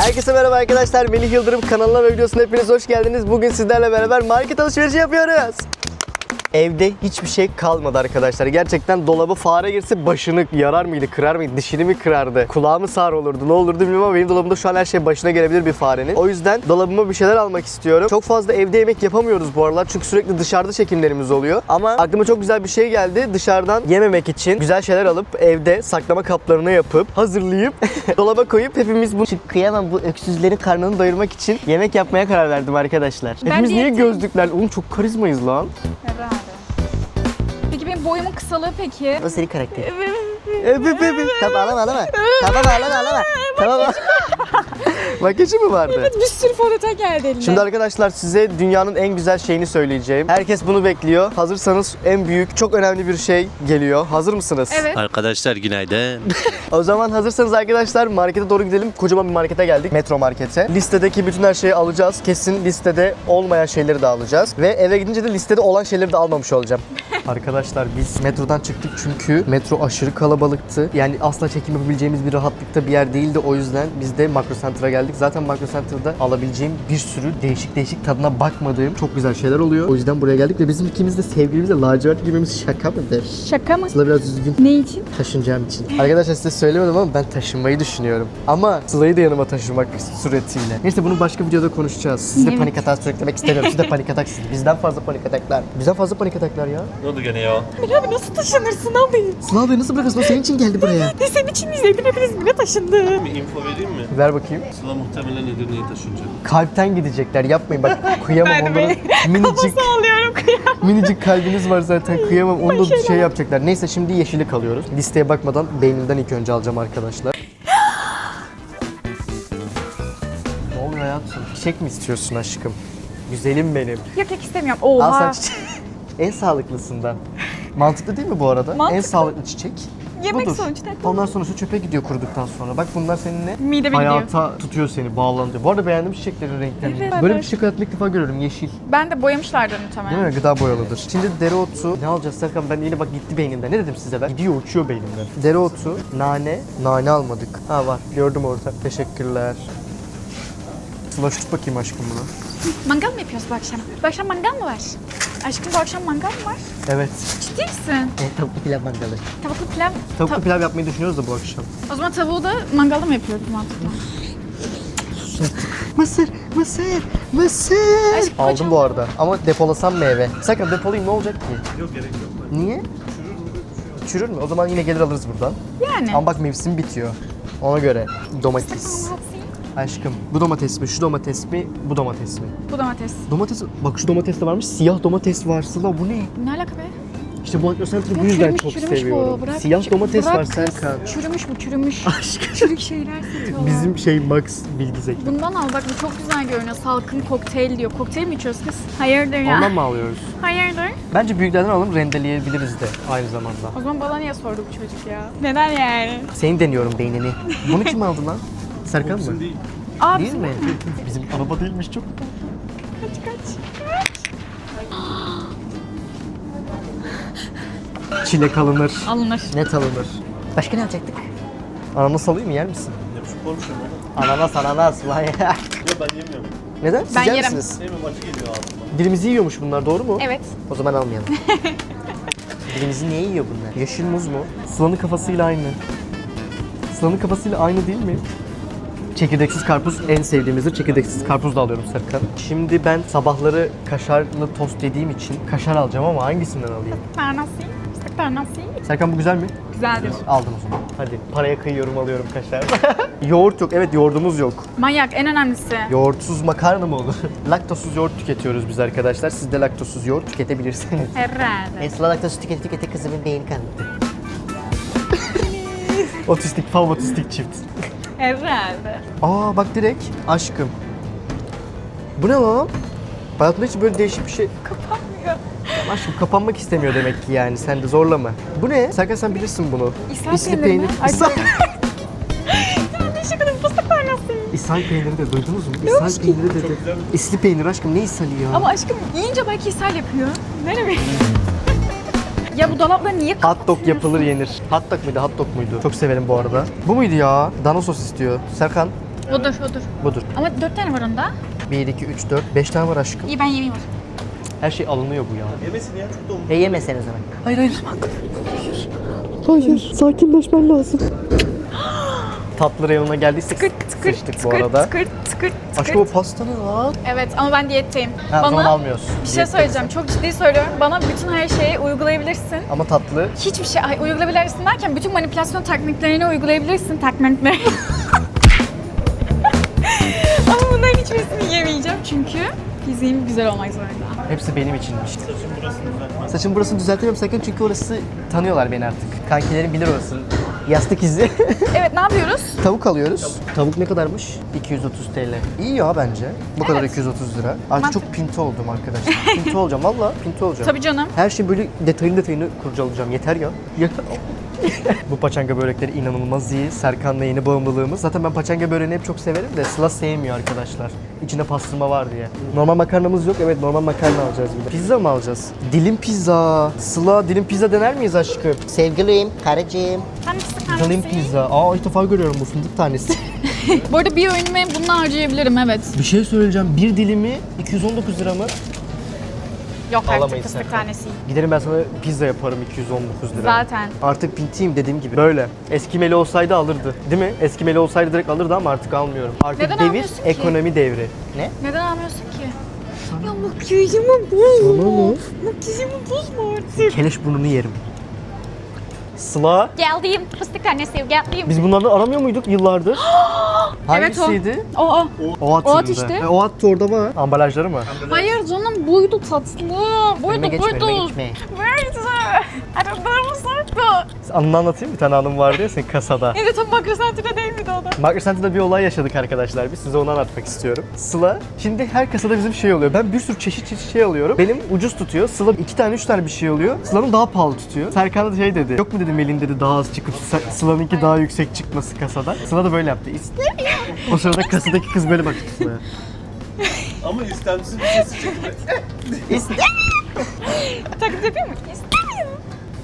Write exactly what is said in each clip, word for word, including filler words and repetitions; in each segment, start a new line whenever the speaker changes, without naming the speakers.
Herkese merhaba arkadaşlar. Melih Yıldırım kanalına ve videosuna hepiniz hoş geldiniz. Bugün sizlerle beraber market alışverişi yapıyoruz. Evde hiçbir şey kalmadı arkadaşlar. Gerçekten dolabı fare girse başını yarar mıydı, kırar mıydı, dişini mi kırardı, kulağı mı sağır olurdu, ne olurdu bilmiyorum ama benim dolabımda şu an her şey başına gelebilir bir farenin. O yüzden dolabıma bir şeyler almak istiyorum. Çok fazla evde yemek yapamıyoruz bu aralar çünkü sürekli dışarıda çekimlerimiz oluyor. Ama aklıma çok güzel bir şey geldi. Dışarıdan yememek için güzel şeyler alıp evde saklama kaplarına yapıp hazırlayıp dolaba koyup hepimiz bu kıyamam bu öksüzlerin karnını doyurmak için yemek yapmaya karar verdim arkadaşlar.
Ben
Hepimiz niye
diyetim.
gözlükler? Oğlum çok karizmayız lan.
Herhalde. Peki benim boyumun kısalığı peki?
O senin karakteri. Öp öp öp. Tamam ağlama ağlama. Tamam ağlama ağlama. Tamam ağlama. Makyajı mı vardı?
Evet, bir sürü fondöten geldi eline.
Şimdi arkadaşlar size dünyanın en güzel şeyini söyleyeceğim. Herkes bunu bekliyor. Hazırsanız en büyük, çok önemli bir şey geliyor. Hazır mısınız?
Evet.
Arkadaşlar günaydın.
O zaman hazırsanız arkadaşlar markete doğru gidelim. Kocaman bir markete geldik. Metro markete. Listedeki bütün her şeyi alacağız. Kesin listede olmayan şeyleri de alacağız. Ve eve gidince de listede olan şeyleri de almamış olacağım. Arkadaşlar biz metrodan çıktık çünkü metro aşırı kalabalıktı. Yani asla çekim yapabileceğimiz bir rahatlıkta bir yer değildi. O yüzden biz de Makro Center'a geldik. Zaten Makro Center'da alabileceğim bir sürü değişik değişik tadına bakmadığım çok güzel şeyler oluyor. O yüzden buraya geldik ve bizim ikimiz de sevgilimizle lacivert giymemiz şaka mıdır?
Şaka mı?
Sıla biraz üzgün.
Ne için?
Taşınacağım için. Arkadaşlar size söylemedim ama ben taşınmayı düşünüyorum. Ama Sıla'yı da yanıma taşımak suretiyle. Neyse bunu başka videoda konuşacağız. Siz de
Evet.
panik atağı sürüklemek istemiyorum. Siz de panik ataksınız. Bizden fazla panik ataklar. Bizden fazla panik ataklar ya.
Ne oldu gene ya?
Emir abi nasıl taşınırsın abi?
Sıla abi nasıl bırakırsın? O senin için geldi buraya.
Ne senin için izledim hepiniz İzmir'e taşındı.
Bir info vereyim mi?
Ver bakayım.
Sıla muhtemelen Edirne'ye taşınacak.
Kalpten gidecekler. Yapmayın bak. Kıyamam
Ben
onların
mi?
minicik
Ağlıyorum kıyam.
minicik kalbiniz var zaten. Kıyamam. Onu da şey yapacaklar. Neyse şimdi yeşillik alıyoruz. Listeye bakmadan beynimden ilk önce alacağım arkadaşlar. Ne oluyor hayatım? Çiçek mi istiyorsun aşkım? Güzelim benim.
Yok yok istemiyorum.
Al
Oha.
sen çiçeği. En sağlıklısından. Mantıklı değil mi bu arada?
Mantıklı.
En sağlıklı çiçek.
Yemek
budur.
sonuçta.
Ondan sonrası çöpe gidiyor kuruduktan sonra. Bak bunlar seninle
Mideme
hayata tutuyor seni, bağlanıyor. Bu arada beğendim çiçeklerin renklerini.
Evet.
Böyle bir çiçek hayatımda ilk defa görüyorum. Yeşil.
Ben de boyamışlardır
Değil
muhtemelen.
mi? Gıda boyalıdır. Şimdi dereotu. Ne alacağız Serkan? Ben yine bak gitti beynimden. Ne dedim size ben? Gidiyor uçuyor beynimden. Dereotu, nane. Nane almadık. Ha var. Gördüm orada. Teşekkürler. Sıla tut bakayım aşkım bunu.
Mangal mı yapıyoruz bu akşam? Bu akşam mangal mı var? Aşkım bu akşam mangal mı var?
Evet.
Ciddi misin?
E, tavuklu pilav mangalı.
Tavuklu pilav.
Tavuklu
Ta-
pilav yapmayı düşünüyoruz da bu akşam.
O zaman tavuğu da mangalda mı yapıyoruz mantıklı?
Mısır, mısır, mısır.
Aşkım,
Aldım
hocam.
bu arada ama depolasam mı eve? Serkan depolayayım ne olacak ki?
Yok gerek yok.
Niye? Çürür mü? O zaman yine gelir alırız buradan.
Yani.
Ama bak mevsim bitiyor. Ona göre domates. Aşkım bu domates mi? Şu domates mi? Bu domates mi?
Bu domates.
Domates, bak şu domates de varmış. Siyah domates var Sıla bu ne?
Ne alaka be?
İşte bu Center'ı bu
Ya
yüzden
çürümüş,
çok
çürümüş
seviyorum.
bu. Bırak,
Siyah domates
bırak
var
kız.
Serkan.
Çürümüş bu çürümüş.
Aşkım.
Çürük şeyler satıyorlar.
Bizim şey Max bilgi zeki.
Bundan al bak bu çok güzel görünüyor. Salkım kokteyl diyor. Kokteyl mi içiyoruz kız? Hayırdır ya?
Ondan mı alıyoruz?
Hayırdır?
Bence büyüklerden alalım rendeleyebiliriz de aynı zamanda.
O zaman bana niye sordu bu çocuk ya? Neden yani?
Seni deniyorum beynini. Bunu kim aldı lan? Serkan mı?
Değil.
Aa,
Değil mi? Bizim araba değilmiş çok.
Kaç kaç.
Çilek alınır.
Alınır.
Net alınır. Başka ne alacaktık? Ananas alayım mı yer misin?
Ne biçim konuşuyorum oğlum?
Ananas ananas vay.
Yok ben yemiyorum.
Neden? Siz
Ben
yer
yerim.
misiniz?
Sevmem acı geliyor ağzıma.
Dilimizi yiyormuş bunlar doğru mu?
Evet.
O zaman almayalım. Dilimizi niye yiyor bunlar? Yeşil muz mu? Sıla'nın kafasıyla aynı. Sıla'nın kafasıyla aynı değil mi? Çekirdeksiz karpuz en sevdiğimizdir. Çekirdeksiz karpuz da alıyorum Serkan. Şimdi ben sabahları kaşarlı tost yediğim için kaşar alacağım ama hangisinden alayım?
Ternasi. Fıstık ternasi.
Serkan bu güzel mi?
Güzeldir.
Aldım o zaman. Hadi paraya kıyıyorum alıyorum kaşar. Yoğurt yok. Evet yoğurdumuz yok.
Manyak en önemlisi.
Yoğurtsuz makarna mı olur? Laktozsuz yoğurt tüketiyoruz biz arkadaşlar. Siz de laktozsuz yoğurt tüketebilirsiniz.
Herhalde.
Esra laktozsuz tüketi tüketi kızımın beyni kanadı. Otistik, fav otistik çift.
Herhalde.
Aa bak direkt aşkım. Bu ne lan? Hayatımda hiç böyle değişik bir şey...
Kapanmıyor.
Aşkım kapanmak istemiyor demek ki yani. Sen de zorlama. Bu ne? Serkan sen bilirsin bunu.
İshal peyniri mi? Ay,
İshal...
Ne şakalı fıstık ternasi.
İshal peyniri de duydunuz mu?
Ne
İshal
olmuş ki?
peyniri dedi. İsli peynir aşkım ne ishali ya?
Ama aşkım yiyince belki ishal yapıyor. Ne demek? Ya bu dolapla niye
Hot
kapatıyorsun?
dog yapılır yenir. Hot dog muydu? Hot dog muydu? Çok severim bu arada. Bu muydu ya? Dana sos istiyor. Serkan
Odur odur.
Budur.
Ama dört tane var onda.
bir, iki, üç, dört, beş tane var aşkım.
İyi ben yemeyeyim o.
Her şey alınıyor bu ya.
Yemesin ya çok da umut.
E yemeseniz hemen. Hayır hayır. Hayır. Sakinleşmen lazım. Tatlı reyonuna geldiysek
Tıkırt tıkırt
sıçtık bu
tıkırt
arada.
tıkırt tıkırt
Aşkım o
tıkırt.
pasta ne lan?
Evet ama ben diyetteyim.
Ha, o zaman
Bana
almıyorsun.
bir şey söyleyeceğim. Çok ciddi söylüyorum. Bana bütün her şeyi uygulayabilirsin.
Ama tatlı.
Hiçbir şey ay, uygulayabilirsin derken bütün manipülasyon tekniklerini uygulayabilirsin. Teknikleri. Ama bunların hiçbirisini yemeyeceğim çünkü fiziğim güzel olmak zorunda.
Hepsi benim içinmiş.
Saçın burasını düzeltmez.
Saçım burasını düzeltemiyorum sakın çünkü orası tanıyorlar beni artık. Kankilerim bilir orasını. Yastık izi.
Evet ne yapıyoruz?
Tavuk alıyoruz. Tavuk ne kadarmış? iki yüz otuz T L. İyi ya bence. Bu kadar
Evet.
iki yüz otuz lira. Artık
Mantıklı.
çok pinto oldum arkadaşlar. Pinto olacağım valla pinto olacağım.
Tabii canım.
Her şey böyle detayını detayını kurcalayacağım. Yeter ya. Ya- Bu paçanga börekleri inanılmaz iyi. Serkan'la yeni bağımlılığımız. Zaten ben paçanga böreğini hep çok severim de Sıla sevmiyor arkadaşlar. İçinde pastırma var diye. Normal makarnamız yok. Evet normal makarna alacağız bir de. Pizza mı alacağız? Dilim pizza. Sıla dilim pizza dener miyiz aşkım? Sevgilim, karıcığım.
Ben fıstık
Dilim
tanesi.
pizza. Aa ilk defa görüyorum bu fındık tanesi.
Bu arada bir öğünümü bununla harcayabilirim evet.
Bir şey söyleyeceğim. Bir dilimi iki yüz on dokuz lira mı?
Yok artık
Alamayız
fıstık
Serkan.
tanesi.
Giderim ben sana pizza yaparım iki yüz on dokuz lira.
Zaten.
Artık pintiyim dediğim gibi. Böyle. Eskimeli olsaydı alırdı. Değil mi? Eskimeli olsaydı direkt alırdı ama artık almıyorum. Artık
Neden
devir
almıyorsun ki?
ekonomi devri. Ne?
Neden almıyorsun ki? Ya makyajımı bozma.
Sana ne?
Makyajımı bozma artık.
Keleş burnunu yerim. Sıla.
Geldiğim fıstık tanesi geldiğim.
Biz bunlardan aramıyor muyduk yıllardır? Hangisiydi?
O o.
O at.
O at işte.
E, o at da orada var. Ambalajları mı?
Hayır canım buydu tatlı. Buydu
Önüme geçme,
buydu.
önüme geçme.
Buydu. Aradığımız sardı.
Anını anlatayım. Bir tane anım vardı ya senin kasada.
Yine tam makrosantire değil miydi o da?
Market Center'da bir olay yaşadık arkadaşlar. Biz size onu anlatmak istiyorum. Sıla, şimdi her kasada bizim şey oluyor. Ben bir sürü çeşit çeşit şey alıyorum. Benim ucuz tutuyor. Sıla iki tane üç tane bir şey alıyor. Sıla'nın daha pahalı tutuyor. Serkan da şey dedi. Yok mu dedi Melin dedi daha az çıkıp Sı- Sıla'nınki daha yüksek çıkması kasada. Sıla da böyle yaptı. İstemiyorum. O sırada kasadaki kız böyle baktı Sıla'ya.
Ama istemsiz bir sesi çıktı.
Taklit yapayım mı? İstemiyorum.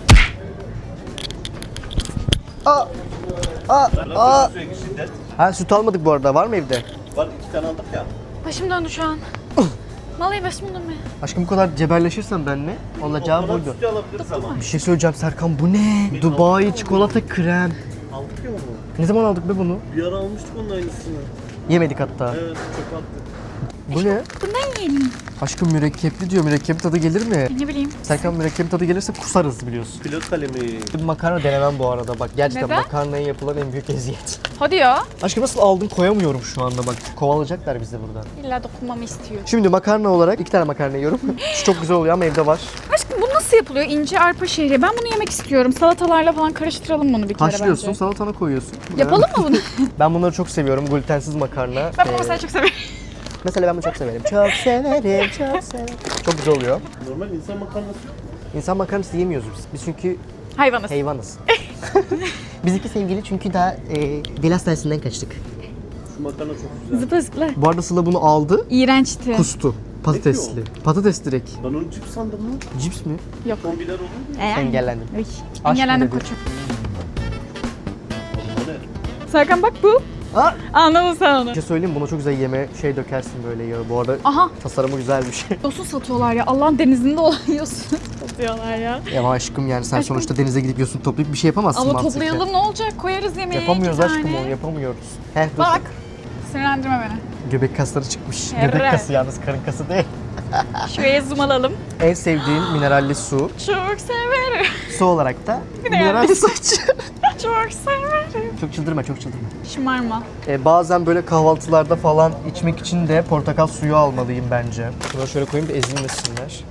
Aa! Aa! Aa!
Sürekli şiddet.
Ha süt almadık bu arada. Var mı evde?
Var iki tane aldık ya.
Başım döndü şu an. Vallahi başım döndü.
Aşkım bu kadar cebelleşirsen benimle olacağı
Ondan
buydu.
sütü alabiliriz ama.
Bir şey söyleyeceğim Serkan bu ne? Dubai çikolata krem.
Aldık ya onu.
Ne zaman aldık be bunu?
Bir ara almıştık onun aynısını.
Yemedik hatta.
Evet çöpe attık.
Bu ne?
Bundan yiyelim.
Aşkım mürekkepli diyor. Mürekkep tadı gelir mi?
Ne bileyim.
Serkan mürekkep tadı gelirse kusarız biliyorsun.
Pilot kalemi.
Bir makarna denemem bu arada bak. Gerçekten
Neden?
makarnaya yapılan en büyük eziyet.
Hadi ya.
Aşkım nasıl aldım koyamıyorum şu anda bak. Kovalayacaklar bizi buradan.
İlla dokunmamı istiyor.
Şimdi makarna olarak iki tane makarna yiyorum. Şu çok güzel oluyor ama evde var.
Aşkım bu nasıl yapılıyor? İnce arpa şehriye. Ben bunu yemek istiyorum. Salatalarla falan karıştıralım bunu bir kere
Haşlıyorsun,
bence.
salatana koyuyorsun.
Yapalım mı bunu?
Ben bunları çok seviyorum. Glutensiz makarna.
Ben bunu
Ee,
mesela çok severim.
Mesela ben bunu çok severim. Çok severim, çok severim. Çok güzel oluyor.
Normal insan makarnası.
İnsan makarnası yemiyoruz biz. Biz çünkü
Hayvanız.
hayvanız. Biz iki sevgili çünkü daha e, deli hastanesinden kaçtık.
Şu makarna çok güzel.
Zıpla zıpla.
Bu arada Sıla bunu aldı,
İğrençti.
kustu. Patatesli. Patates direkt.
Ben onu cips sandım lan.
Cips mi?
Yok.
Kombiler olur mu?
Ee,
Engellendim.
Ay,
Aşk
Engellendim
mı dedi?
koçum.
O ne?
Serkan bak bu.
Aa!
Anladın sen onu.
Bir şey söyleyeyim mi? Buna çok güzel yeme şey dökersin böyle yağı. Bu arada
Aha.
tasarımı güzelmiş.
Yosun satıyorlar ya. Allah'ın denizinde olan yosun satıyorlar ya.
Ya aşkım yani sen
Aşkım.
sonuçta denize gidip yosun toplayıp bir şey yapamazsın
Ama
mantıken.
toplayalım ne olacak? Koyarız yemeğe
Yapamıyoruz
iki
aşkım
tane.
onu yapamıyoruz. Heh dur.
Bak. Sinirlendirme beni.
Göbek kasları çıkmış.
Evet.
Göbek kası yalnız karın kası değil.
Şuraya zoom alalım.
En sevdiğim mineralli su.
Çok severim.
Su olarak da
Mineralli
mineralli su içiyorum.
Çok severim.
Çok çıldırma çok çıldırma.
Şımarma.
Ee, bazen böyle kahvaltılarda falan içmek için de portakal suyu almalıyım bence. Bunu şöyle koyayım da ezilmesinler.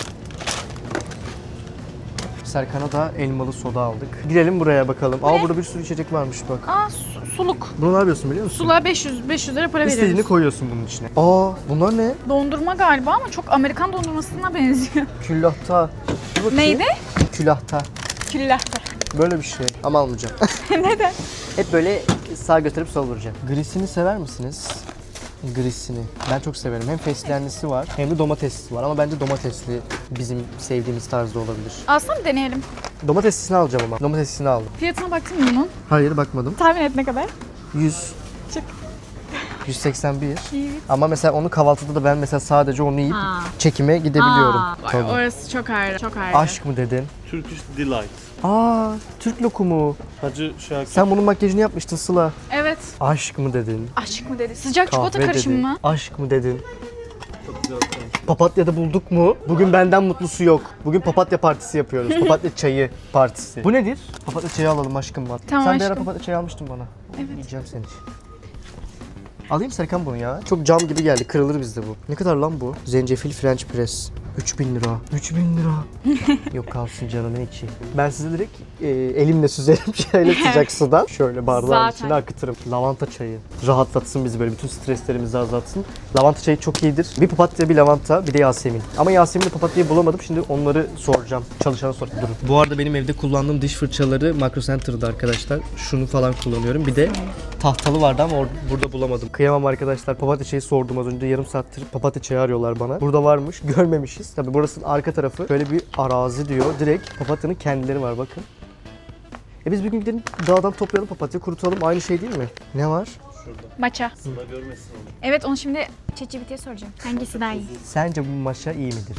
Serkan'a da elmalı soda aldık. Girelim buraya bakalım. Aa burada bir sürü içecek varmış bak.
Aa su- suluk.
Bunu ne yapıyorsun biliyor musun?
Suluğa beş yüz beş yüz lira para
İstediğini
veriyoruz.
koyuyorsun bunun içine. Aa bunlar ne?
Dondurma galiba ama çok Amerikan dondurmasına benziyor.
Küllahta. Dur bakayım.
Neydi?
Külahta.
Küllahta.
Böyle bir şey. Ama almayacağım.
Neden?
Hep böyle sağ götürüp sol vuracağım. Grisini sever misiniz? Grisini. Ben çok severim. Hem fesleğenlisi var hem de domateslisi var. Ama bence domatesli bizim sevdiğimiz tarzda olabilir.
Alsam deneyelim.
Domateslisini alacağım ama. Domateslisini aldım.
Fiyatına baktın mı bunun?
Hayır bakmadım.
Tahmin et ne kadar?
yüz.
Çık.
yüz seksen bir.
Evet.
Ama mesela onu kahvaltıda da ben mesela sadece onu yiyip
Ha.
çekime gidebiliyorum.
Aa,
Tabii.
orası çok ayrı. Çok ayrı.
Aşk mı dedin?
Turkish Delight.
Aa, Türk lokumu.
Hacı Şakir.
Sen bunun makyajını yapmıştın Sıla.
Evet.
Aşk mı dedin?
Aşk mı dedi? Sıcak çikolata
Kahve
karışımı
dedin.
mı?
Aşk mı dedin?
Çok güzel olmuş.
Papatya'da bulduk mu? Bugün benden mutlusu yok. Bugün papatya partisi yapıyoruz. Papatya çayı partisi. Bu nedir? Papatya çayı alalım aşkım bak.
Tamam
Sen bir ara
aşkım.
papatya çayı almıştın bana.
Evet.
Yiyeceğim seni. Alayım Serkan bunu ya. Çok cam gibi geldi. Kırılır bizde bu. Ne kadar lan bu? Zencefil French press. üç bin lira. üç bin lira. Yok kalsın canım ne içi. Ben size direkt e, elimle süzerim şöyle sıcak sudan. Şöyle bardağın
Zaten.
içine akıtırım. Lavanta çayı. Rahatlatsın bizi böyle bütün streslerimizi azaltsın. Lavanta çayı çok iyidir. Bir papatya, bir lavanta, bir de Yasemin. Ama Yasemin'le papatyayı bulamadım. Şimdi onları soracağım. Çalışana sor. Durun. Bu arada benim evde kullandığım diş fırçaları Makro Center'da arkadaşlar. Şunu falan kullanıyorum. Bir de tahtalı vardı ama or- burada bulamadım. Kıyamam arkadaşlar. Papatya çayı sordum az önce. Yarım saattir papatya çayı arıyorlar bana. Burada varmış. Görmemişiz. Tabii burasının arka tarafı. Böyle bir arazi diyor. Direkt papatyanın kendileri var bakın. E biz bir gün gidelim dağdan toplayalım papatya kurutalım. Aynı şey değil mi? Ne var?
Şurada.
Maça.
Sıla görmesin onu.
Evet onu şimdi ChatGPT'ye soracağım. Hangisi daha iyi?
Sence bu maşa iyi midir?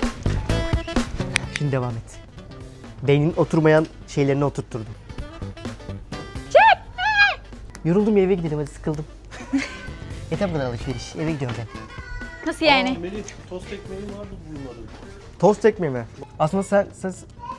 Şimdi devam et. Beynin oturmayan şeylerini oturtturdum. Yoruldum ya eve gidelim hadi sıkıldım. Yeter bu kadar alışveriş. Eve gidiyorum ben.
Nasıl
Aa,
yani?
Melih tost ekmeği vardı bunların.
Tost ekmeği mi? Aslında sen, sen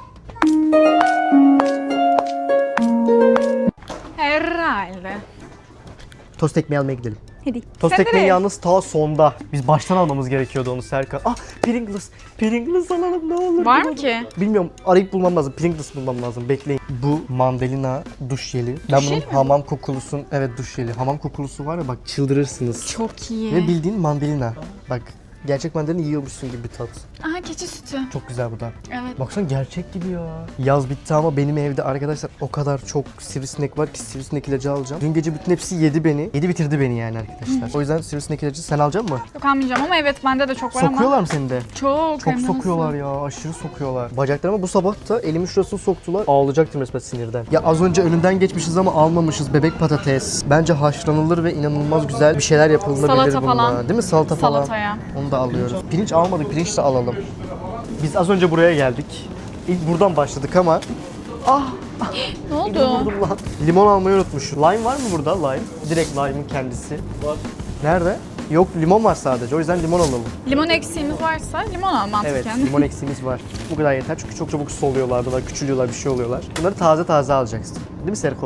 Herhalde.
tost ekmeği almaya gidelim.
Hadi.
Tost
Sen de
ekmeği
ne?
yalnız ta sonda. Biz baştan almamız gerekiyordu onu Serkan. Ah Pringles. Pringles alalım ne olur.
Var
ne
mı
olur.
ki?
Bilmiyorum arayıp bulmam lazım. Pringles bulmam lazım. Bekleyin. Bu mandalina duş jeli. Ben bunun
jeli mi?
hamam kokulusun. Evet duş jeli. Hamam kokulusu var ya bak çıldırırsınız.
Çok iyi.
Ve bildiğin mandalina. Bak gerçek mandalina yiyormuşsun gibi bir tat.
Aha keçi sütü.
Çok güzel bu da.
Evet.
Baksana gerçek gibi ya. Yaz bitti ama benim evde arkadaşlar o kadar çok sivrisinek var ki sivrisinek ilacı alacağım. Dün gece bütün hepsi yedi beni. Yedi bitirdi beni yani arkadaşlar. O yüzden sivrisinek ilacı sen alacak mısın?
Yok almayacağım ama evet bende de çok var ama.
Sokuyorlar mı seni de?
Çok.
Çok
hem de
sokuyorlar
nasıl?
ya, aşırı sokuyorlar. Bacaklarıma bu sabah da elimin şurasını soktular. Ağlayacaktım resmen sinirden. Ya az önce önünden geçmişiz ama almamışız. Bebek patates. Bence haşlanılır ve inanılmaz güzel bir şeyler yapılabilir
Salata
bununla.
falan.
Değil mi? Salata falan.
Salataya.
Onu da alıyoruz. Pirinç almadık, pirinç de alalım. Biz az önce buraya geldik. İlk buradan başladık ama
Ne oldu?
vurdum lan. Limon almayı unutmuş. Lime var mı burada? Lime. Direkt lime'ın kendisi.
Var.
Nerede? Yok limon var sadece. O yüzden limon alalım.
Limon eksiğimiz varsa limon al
Evet,
mantıken.
limon eksiğimiz var. Bu kadar yeter çünkü çok çabuk soluyorlar, bunlar küçülüyorlar, bir şey oluyorlar. Bunları taze taze alacaksın. Değil mi Serko?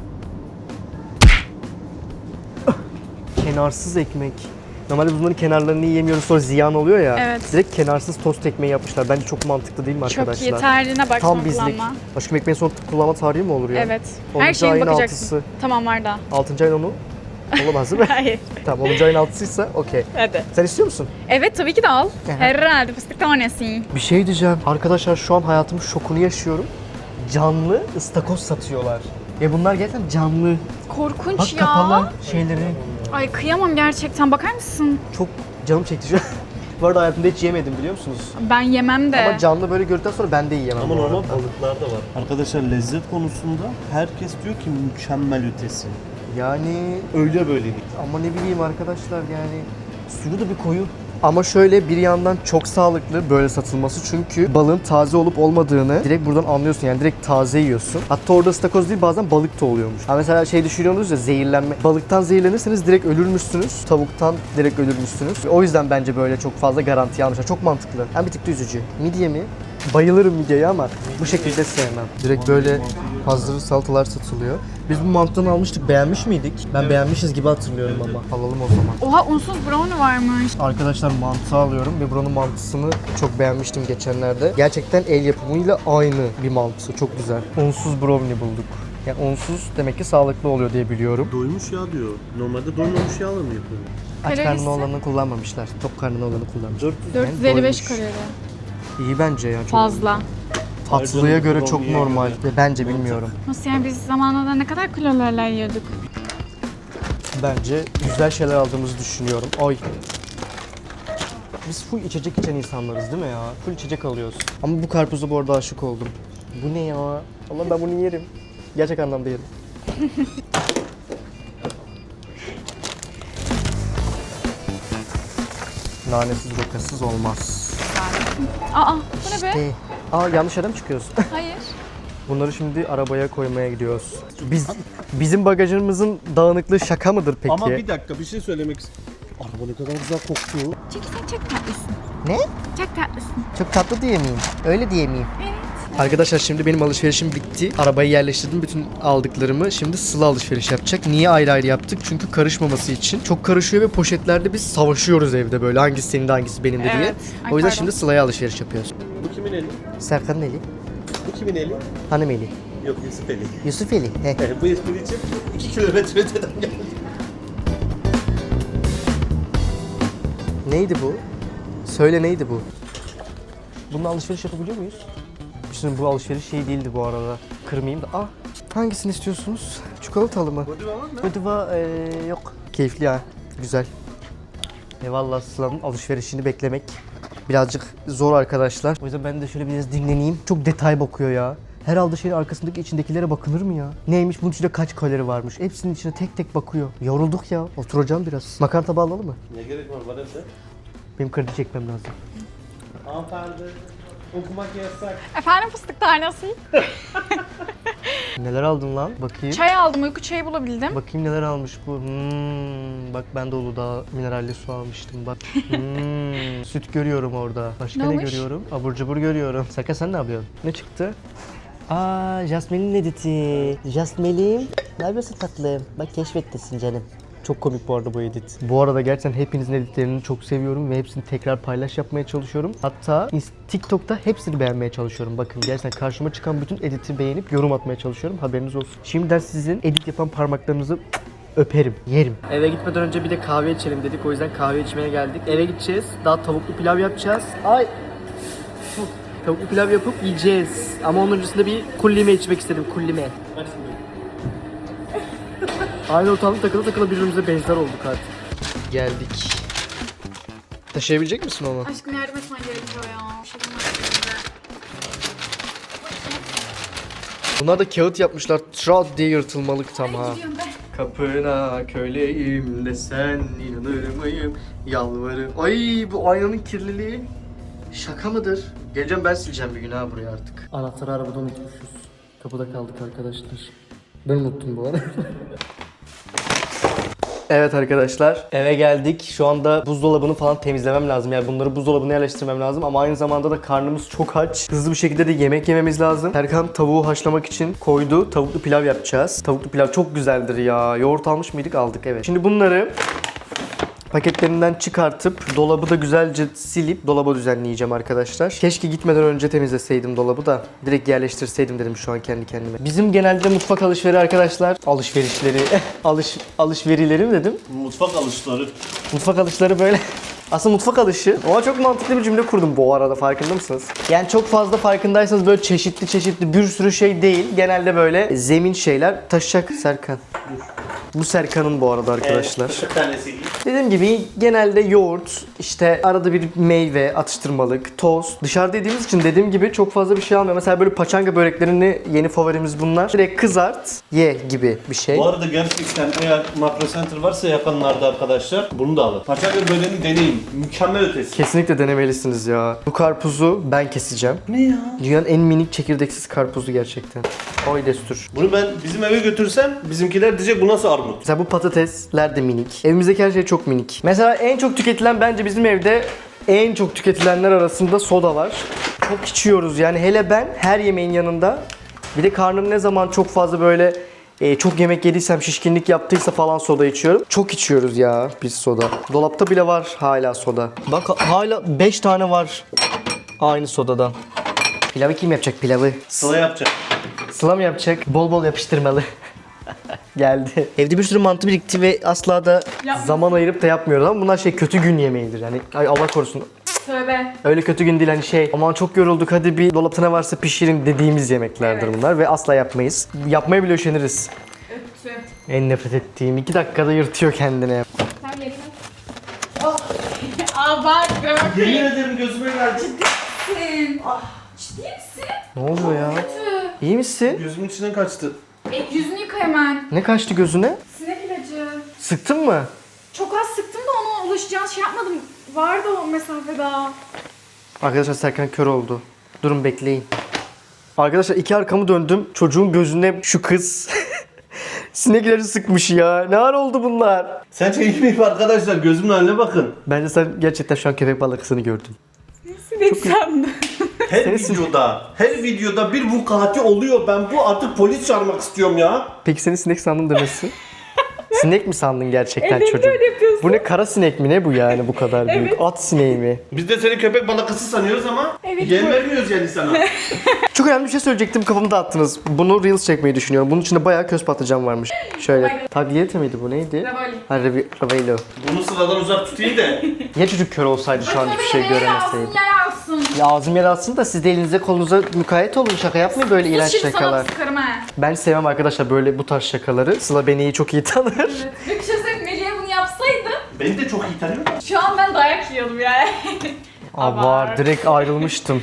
Kenarsız ekmek. Normalde bunların kenarlarını yiyemiyoruz sonra ziyan oluyor ya.
Evet.
Direkt kenarsız tost ekmeği yapmışlar. Bence çok mantıklı değil mi arkadaşlar?
Çok iyi. Tarihine bak
Tam
son
bizlik.
kullanma.
Aşkım ekmeğin son kullanma tarihi mi olur ya?
Evet.
onuncu
Her şeye
ayın
bakacaksın.
altısı.
Tamam var da.
altıncı ayın onu olamaz değil mi?
Hayır.
Tamam onuncu ayın altısıysa okey.
Hadi.
Sen istiyor musun?
Evet tabii ki de al.
Aha.
Herhalde fıstık tanesi.
Bir şey diyeceğim. Arkadaşlar şu an hayatımın şokunu yaşıyorum. Canlı ıstakoz satıyorlar. Ve bunlar gerçekten canlı.
Korkunç
Bak
ya.
kapalı şeyleri.
Ay kıyamam gerçekten. Bakar mısın?
Çok canım çekti şu an. Bu arada hayatımda hiç yemedim biliyor musunuz?
Ben yemem de.
Ama canlı böyle gördükten sonra ben de yiyemem.
Ama
bu arada.
normal balıklar da var. Arkadaşlar lezzet konusunda herkes diyor ki mükemmel ötesi.
Yani
Öyle böyle değil.
ama ne bileyim arkadaşlar yani suyu da bir koyu. Ama şöyle bir yandan çok sağlıklı böyle satılması çünkü balığın taze olup olmadığını direkt buradan anlıyorsun yani direkt taze yiyorsun. Hatta orada ıstakoz değil bazen balık da oluyormuş. Ha mesela şey düşünüyorsunuz ya zehirlenme. Balıktan zehirlenirseniz direkt ölürmüşsünüz. Tavuktan direkt ölürmüşsünüz. O yüzden bence böyle çok fazla garanti almışlar. Çok mantıklı. Hem bir tık da üzücü. Midye mi? Bayılırım midyeye ama bu şekilde sevmem. Direkt böyle hazır salatalar satılıyor. Biz bu mantıdan almıştık. Beğenmiş miydik? Ben beğenmişiz gibi hatırlıyorum ama. Alalım o zaman.
Oha unsuz brownie varmış.
Arkadaşlar mantı alıyorum ve buranın mantısını çok beğenmiştim geçenlerde. Gerçekten el yapımıyla aynı bir mantı. Çok güzel. Unsuz brownie bulduk. Yani unsuz demek ki sağlıklı oluyor diye biliyorum.
Doymuş yağ diyor. Normalde doymamış yağla mı yapıyor?
Aç
Kalorisi?
karnına olanı kullanmamışlar. Tok karnına olanı kullanmışlar.
dört yüz
dört yüz elli beş
doymuş.
kalori.
İyi bence ya. Çok
Fazla.
tatlıya göre çok
Brownie'ye
normal.
göre.
Ve bence bilmiyorum.
Nasıl yani biz zamanında ne kadar kalorilerle yiyorduk?
Bence güzel şeyler aldığımızı düşünüyorum. Ay. Biz full içecek içen insanlarız değil mi ya? Full içecek alıyoruz. Ama bu karpuza bu arada aşık oldum. Bu ne ya? Allah ben bunu yerim. Gerçek anlamda yerim. Nanesiz rokasız olmaz.
Aa bu ne be?
İşte. Aa yanlış yere mi çıkıyorsun?
Hayır.
Bunları şimdi arabaya koymaya gidiyoruz. Biz bizim bagajımızın dağınıklığı şaka mıdır peki?
Ama bir dakika bir şey söylemek istiyorum. Araba ne kadar güzel kokuyor.
Çünkü sen çok tatlısın.
Ne?
Çok tatlısın.
Çok tatlı diye miyim? Öyle diye miyim?
Evet.
Arkadaşlar şimdi benim alışverişim bitti. Arabayı yerleştirdim. Bütün aldıklarımı. Şimdi Sıla alışveriş yapacak. Niye ayrı ayrı yaptık? Çünkü karışmaması için. Çok karışıyor ve poşetlerde biz savaşıyoruz evde böyle. Hangisi senin de hangisi benim de diye.
Evet. Ay,
O yüzden
pardon.
şimdi Sıla'ya alışveriş yapıyoruz.
Bu kimin eli?
Serkan'ın eli.
Bu kimin eli?
Hanım eli.
Yok Yusuf eli.
Yusuf eli. He.
Bu espri için iki kilometre öteden geldi.
Neydi bu? Söyle neydi bu? Bununla alışveriş yapabiliyor muyuz? Şimdi bu alışveriş şey değildi bu arada. Kırmayayım da. Ah, hangisini istiyorsunuz? Çikolatalı mı?
Godiva var mı?
Godiva ee, yok. Keyifli ya. Güzel. Eyvallah, Sıla'nın alışverişini beklemek birazcık zor arkadaşlar. O yüzden ben de şöyle biraz dinleneyim. Çok detay bakıyor ya. Her aldığı şeyin arkasındaki içindekilere bakılır mı ya? Neymiş, bunun içinde kaç kalori varmış? Hepsinin içine tek tek bakıyor. Yorulduk ya. Oturacağım biraz. Makarna tabağı alalım mı?
Ne gerek var var evde?
Benim kredi çekmem lazım.
Hanımefendi okumak yasak.
Efendim fıstık tanesi.
Neler aldın lan? Bakayım.
Çay aldım, uyku çayı bulabildim.
Bakayım neler almış bu. Hmm, bak ben de Uludağ mineralli su almıştım bak. Hmm, süt görüyorum orada. Başka
Ne
ne,
olmuş?
görüyorum? Abur cubur görüyorum. Serkan sen ne yapıyorsun? Ne çıktı? Aa, Jasmine'in editi. Jasmine'im. Ne yapıyorsun tatlım? Bak keşfettesin canım. Çok komik bu arada bu edit. Bu arada gerçekten hepinizin editlerini çok seviyorum ve hepsini tekrar paylaş yapmaya çalışıyorum. Hatta TikTok'ta hepsini beğenmeye çalışıyorum. Bakın gerçekten karşıma çıkan bütün editi beğenip yorum atmaya çalışıyorum. Haberiniz olsun. Şimdiden sizin edit yapan parmaklarınızı öperim, yerim. Eve gitmeden önce bir de kahve içelim dedik. O yüzden kahve içmeye geldik. Eve gideceğiz. Daha tavuklu pilav yapacağız. Ay! Tavuklu pilav yapıp yiyeceğiz. Ama onun öncesinde bir kullime içmek istedim. Kullime. Aynı ortamda takılı takılı birbirimize benzer olduk artık. Geldik. Taşıyabilecek misin onu?
Aşkım yardım etmen gerekiyor ya. Bir şey bulmak
Bunlar da kağıt yapmışlar. Trot diye yırtılmalık tam ha.
Gidiyorum ben.
Kapına köleyim desen inanır mıyım? Yalvarırım. Ay bu aynanın kirliliği şaka mıdır? Geleceğim ben sileceğim bir gün ha buraya artık. Anahtarı arabada unutmuşuz. Kapıda kaldık arkadaşlar. Ben unuttum bu arada. Evet arkadaşlar, eve geldik. Şu anda buzdolabını falan temizlemem lazım. Yani bunları buzdolabına yerleştirmem lazım ama aynı zamanda da karnımız çok aç. Hızlı bir şekilde de yemek yememiz lazım. Serkan tavuğu haşlamak için koydu. Tavuklu pilav yapacağız. Tavuklu pilav çok güzeldir ya. Yoğurt almış mıydık? Aldık, evet. Şimdi bunları paketlerinden çıkartıp dolabı da güzelce silip dolaba düzenleyeceğim arkadaşlar. Keşke gitmeden önce temizleseydim dolabı da direkt yerleştirseydim dedim şu an kendi kendime. Bizim genelde mutfak alışveri arkadaşlar. Alışverişleri, alış alışverilerim dedim.
Mutfak alışları.
Mutfak alışları böyle. Aslında mutfak alışı. Ama çok mantıklı bir cümle kurdum bu arada, farkında mısınız? Yani çok fazla farkındaysanız böyle çeşitli çeşitli bir sürü şey değil. Genelde böyle zemin şeyler taşıyacak Serkan. Bu Serkan'ın bu arada arkadaşlar.
Evet, tanesi gibi.
Dediğim gibi genelde yoğurt, işte arada bir meyve, atıştırmalık, tost. Dışarıda yediğimiz için dediğim gibi çok fazla bir şey almıyor. Mesela böyle paçanga böreklerini, yeni favorimiz bunlar. Direkt kızart, ye gibi bir şey.
Bu arada gerçekten eğer Makro Center varsa yakınlarda arkadaşlar bunu da alın. Paçanga böreğini deneyin. Mükemmel ötesi.
Kesinlikle denemelisiniz ya. Bu karpuzu ben keseceğim.
Ne ya?
Dünyanın en minik çekirdeksiz karpuzu gerçekten. Oy destur.
Bunu ben bizim eve götürsem bizimkiler diyecek bu nasıl armut?
Mesela bu patatesler de minik. Evimizdeki her şey çok minik. Mesela en çok tüketilen bence bizim evde en çok tüketilenler arasında soda var. Çok içiyoruz yani, hele ben her yemeğin yanında. Bir de karnım ne zaman çok fazla böyle e, çok yemek yediysem, şişkinlik yaptıysa falan soda içiyorum. Çok içiyoruz ya biz soda. Dolapta bile var hala soda. Bak hala beş tane var aynı sodadan. Pilavı kim yapacak pilavı?
Sıla yapacak.
Sıla mı yapacak? Bol bol yapıştırmalı. Geldi. Evde bir sürü mantı birikti ve asla da
Yapma.
zaman ayırıp da yapmıyoruz ama bunlar şey kötü gün yemeğidir yani. Ay Allah korusun.
Tövbe.
Öyle kötü gün değil hani şey aman çok yorulduk hadi bir dolapta ne varsa pişirin dediğimiz yemeklerdir
Evet.
bunlar ve asla yapmayız. Yapmaya bile üşeniriz.
Öptü.
En nefret ettiğim iki dakikada yırtıyor kendini.
Sen yerine. Oh. Aa bak gör.
Yemin ederim gözüme geldi.
Ciddi misin?
Ne oluyor ya?
Kötü.
İyi misin?
Gözümün içinden kaçtı.
E, yüzünü yıka hemen.
Ne kaçtı gözüne?
Sinek ilacı.
Sıktın mı?
Çok az sıktım çıktım da ona ulaşacağını şey yapmadım. Vardı o mesafe daha.
Arkadaşlar Serkan kör oldu. Durun bekleyin. Arkadaşlar iki arkamı döndüm. Çocuğun gözüne şu kız sinekleri sıkmış ya. Ne ara oldu bunlar?
Sence iyi miyim arkadaşlar? Gözümün haline bakın.
Bence sen gerçekten şu an köpek balıkısını gördün.
Sinek sandım.
Her
Senin-
videoda, her videoda bir vukuatı oluyor. Ben bu artık polis çağırmak istiyorum ya.
Peki seni sinek sandım demesi? Sinek mi sandın gerçekten
Evet,
çocuğum?
öyle yapıyorsun.
Bu ne, kara sinek mi ne bu yani bu kadar büyük?
Evet.
At sineği mi?
Biz de seni köpek balıkısı sanıyoruz ama
Evet,
yem
bu-
vermiyoruz yani sana.
Çok önemli bir şey söyleyecektim, kafamı dağıttınız. Bunu Reels çekmeyi düşünüyorum. Bunun içinde bayağı köz patlıcan varmış. Şöyle. Tagliatelle miydi bu, neydi?
Ravoli.
Ha, ravi- Raviolo.
Bunu sıradan uzak tutayım da.
Ya çocuk kör olsaydı şu an hiçbir şey göremeseydi.
Yer alsın.
Ya ağzım yer alsın da siz de elinize kolunuza mukayyet olun, şaka yapmayın böyle iğrenç
Şimdi
şakalar.
sana sıkarım ha.
Ben sevmem arkadaşlar böyle bu tarz şakaları. Sıla beni iyi çok iyi tanır.
Evet. Ve bir şey söyleyeyim, Melih'e bunu yapsaydı
Beni de çok iyi tanıyor.
şu an ben dayak yiyordum yani.
Aa, var, direkt ayrılmıştım.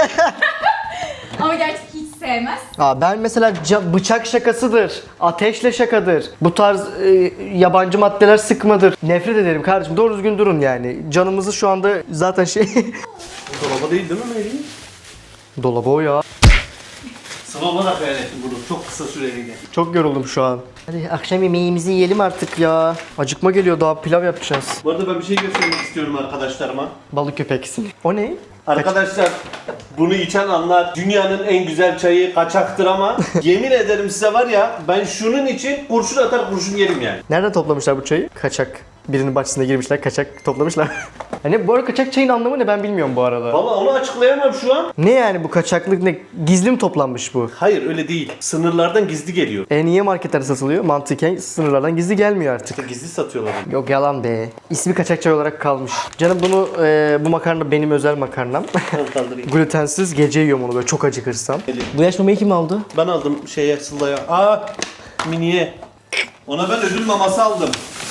Ama gerçekten hiç sevmez.
Aa, ben mesela ca- bıçak şakasıdır, ateşle şakadır, bu tarz e, yabancı maddeler sıkmadır. Nefret ederim kardeşim, doğru düzgün durun yani. Canımızı şu anda zaten şey...
Bu dolaba değil değil mi Melih?
Dolabı o ya.
Sıra olarak hayal ettim bunu. Çok kısa süreliğine.
Çok yoruldum şu an. Hadi akşam yemeğimizi yiyelim artık ya. Acıkma geliyor, daha pilav yapacağız.
Bu arada ben bir şey göstermek istiyorum arkadaşlarıma.
Balık köpeksin. O ne?
Arkadaşlar bunu içen anlar dünyanın en güzel çayı kaçaktır ama yemin ederim size var ya ben şunun için kurşun atar kurşun yerim yani.
Nereden toplamışlar bu çayı? Kaçak. Birinin bahçesine girmişler, kaçak toplamışlar. Hani bu arada kaçak çayın anlamı ne, ben bilmiyorum bu arada.
Valla onu açıklayamam şu an.
Ne yani bu kaçaklık, ne? Gizli mi toplanmış bu?
Hayır öyle değil. Sınırlardan gizli geliyor.
E niye marketlerde satılıyor? Mantıken sınırlardan gizli gelmiyor artık.
İşte gizli satıyorlar.
Yok yalan be. İsmi kaçak çay olarak kalmış. Canım bunu e, bu makarna benim özel makarnam.
Ben kaldırayım.
Glutensiz, gece yiyorum onu böyle çok acıkırsam. Bu yaş mamayı kim aldı?
Ben aldım şeye Sıla'ya. Aa miniye. Ona ben ödül maması aldım.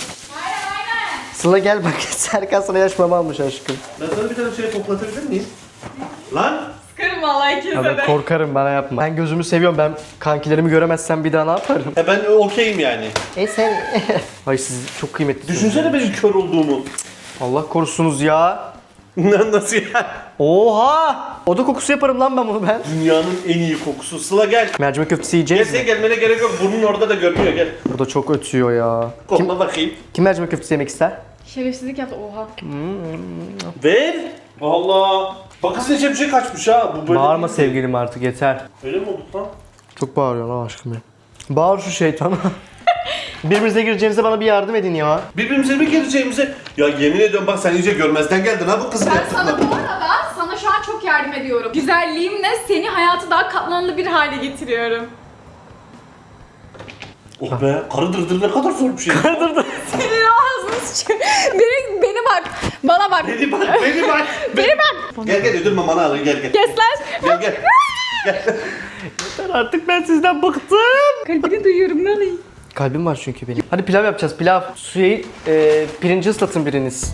Sıla gel bak, Serkan sana yaş mama almış aşkım.
Ben sana bir tane şey toplatabilir miyim? Lan!
Sıkarım vallahi ikinize
Abi
de.
korkarım, bana yapma. Ben gözümü seviyorum, ben kankilerimi göremezsem bir daha ne yaparım?
He ben okeyim yani.
E sen... Ay siz çok kıymetlisiniz.
Düşünsene benim kör olduğumu.
Allah korusunuz ya.
Nasıl ya?
Oha! Oda kokusu yaparım lan ben bunu ben.
Dünyanın en iyi kokusu. Sıla gel.
Mercimek köftesi
Gel
yiyeceğiz
sen
mi?
gelmene gerek yok. Burnun orada da görünüyor gel.
Burada çok ötüyor ya. Kim,
Kokla bakayım.
kim mercimek köftesi yemek ister?
Şerefsizlik yaptı oha.
Ver. Allah. Bak kızın içine bir şey kaçmış ha. Bu böyle
Bağırma
değil.
sevgilim artık, yeter.
Öyle mi olduk lan?
Çok bağırıyorsun lan aşkım ya. Bağır şu şeytana. Birbirinize gireceğinize bana bir yardım edin ya.
Birbirimize mi geleceğimize? Ya yemin ediyorum bak sen iyice görmezden geldin ha bu kızın
Ben sana
yaptıklarını.
bu arada sana şu an çok yardım ediyorum. Güzelliğimle seni hayatı daha katlanlı bir hale getiriyorum.
Oh be karı dırdır ne kadar zor bir şey.
Senin ağzını sıçıyor. Beni, beni bak. Bana bak.
Beni bak beni bak.
Beni bak.
Gel gel ödül mamanı alın gel gel.
Kes lan.
Gel gel. Gel.
Artık ben sizden bıktım.
Kalbini duyuyorum ne alayım.
Kalbim var çünkü benim. Hadi pilav yapacağız, pilav. Suyu, e, pirinci ıslatın biriniz.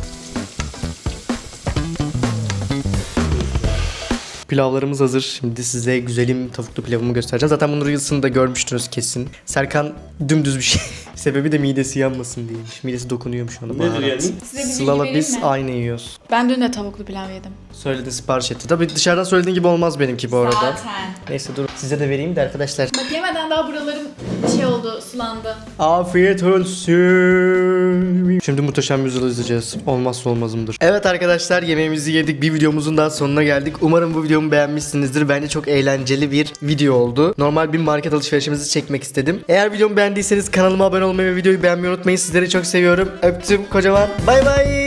Pilavlarımız hazır. Şimdi size güzelim tavuklu pilavımı göstereceğim. Zaten bunu Reels'ını da görmüştünüz kesin. Serkan dümdüz bir şey. Sebebi de midesi yanmasın diyeymiş. Midesi dokunuyormuş ona.
Nedir
baharat.
yani?
Size bir bilgi
Sıla'la
vereyim
biz
mi?
aynı yiyoruz.
Ben dün de tavuklu pilav yedim.
Söyledi, sipariş etti. Tabii dışarıdan söylediğin gibi olmaz benimki bu arada.
Zaten.
Neyse dur. Size de vereyim de arkadaşlar.
Bak yemeden daha buralarım şey oldu, sulandı.
Afiyet olsun. Şimdi muhteşem yüzyıl izleyeceğiz. Olmazsa olmazımdır. Evet arkadaşlar, yemeğimizi yedik. Bir videomuzun daha sonuna geldik. Umarım bu videomu beğenmişsinizdir. Bence çok eğlenceli bir video oldu. Normal bir market alışverişimizi çekmek istedim. Eğer videomu beğendiyseniz kanalıma abone olmayı ve videoyu beğenmeyi unutmayın. Sizleri çok seviyorum. Öptüm kocaman. Bay bay.